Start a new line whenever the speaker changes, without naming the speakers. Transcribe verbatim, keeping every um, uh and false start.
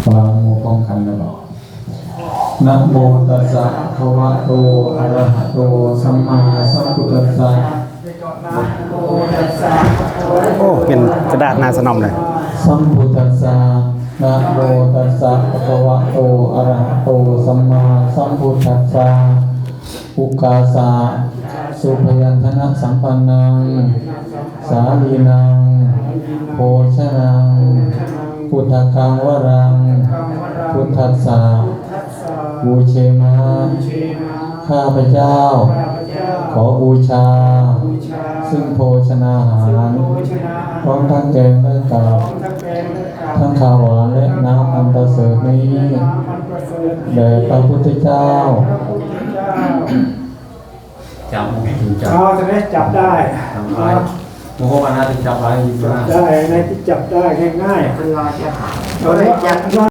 วางมือป้องกันแล้วนะโมตัสสะภะคะวะโตอะระหะโตสัมมาสัมพุทธัสสะ
โอ้เป็นกระดาษหนาสนอมเลย
สัมพุทธัสสะนะโมตัสสะภะคะวะโตอะระหะโตสัมมาสัมพุทธัสสะอุกาสะสุพยัญชนะสัมปันนังสาลีนังโภชนังพุทธกังวรังพุทธัสสะบูเชมาข้าพเจ้าขอบูชาซึ่งโภชนาหารพร้อมทั้งแกงและกับทั้งข้าวหวานและน้ำอันประเสริฐนี้แด่พระพุทธเจ้าจับถึงจับ
เอาใช่ไหมจับได้
จับไปโมโหปานาถึงจับไป
จับได้ในที่จับได้ง่ายๆเราได้จับ